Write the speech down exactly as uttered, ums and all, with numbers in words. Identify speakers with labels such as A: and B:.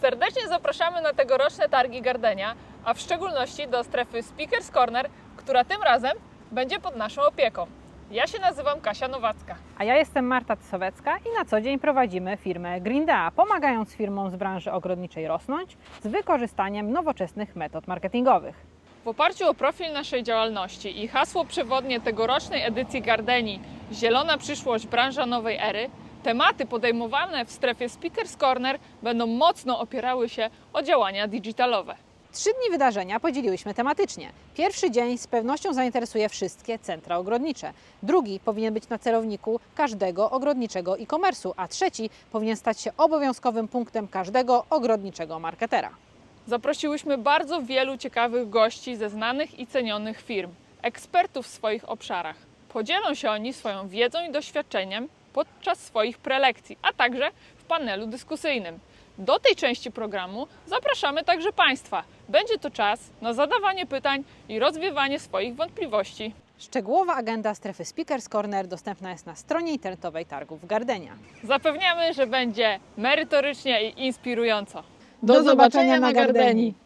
A: Serdecznie zapraszamy na tegoroczne targi Gardenia, a w szczególności do strefy Speakers Corner, która tym razem będzie pod naszą opieką. Ja się nazywam Kasia Nowacka.
B: A ja jestem Marta Tysowecka i na co dzień prowadzimy firmę Greendea, pomagając firmom z branży ogrodniczej rosnąć z wykorzystaniem nowoczesnych metod marketingowych.
A: W oparciu o profil naszej działalności i hasło przewodnie tegorocznej edycji Gardenii Zielona przyszłość, branża nowej ery, tematy podejmowane w strefie Speakers Corner będą mocno opierały się o działania digitalowe.
B: Trzy dni wydarzenia podzieliłyśmy tematycznie. Pierwszy dzień z pewnością zainteresuje wszystkie centra ogrodnicze. Drugi powinien być na celowniku każdego ogrodniczego e-commerce'u, a trzeci powinien stać się obowiązkowym punktem każdego ogrodniczego marketera.
A: Zaprosiłyśmy bardzo wielu ciekawych gości ze znanych i cenionych firm, ekspertów w swoich obszarach. Podzielą się oni swoją wiedzą i doświadczeniem podczas swoich prelekcji, a także w panelu dyskusyjnym. Do tej części programu zapraszamy także Państwa. Będzie to czas na zadawanie pytań i rozwiewanie swoich wątpliwości.
B: Szczegółowa agenda strefy Speakers Corner dostępna jest na stronie internetowej targów Gardenia.
A: Zapewniamy, że będzie merytorycznie i inspirująco.
B: Do zobaczenia na Gardenii!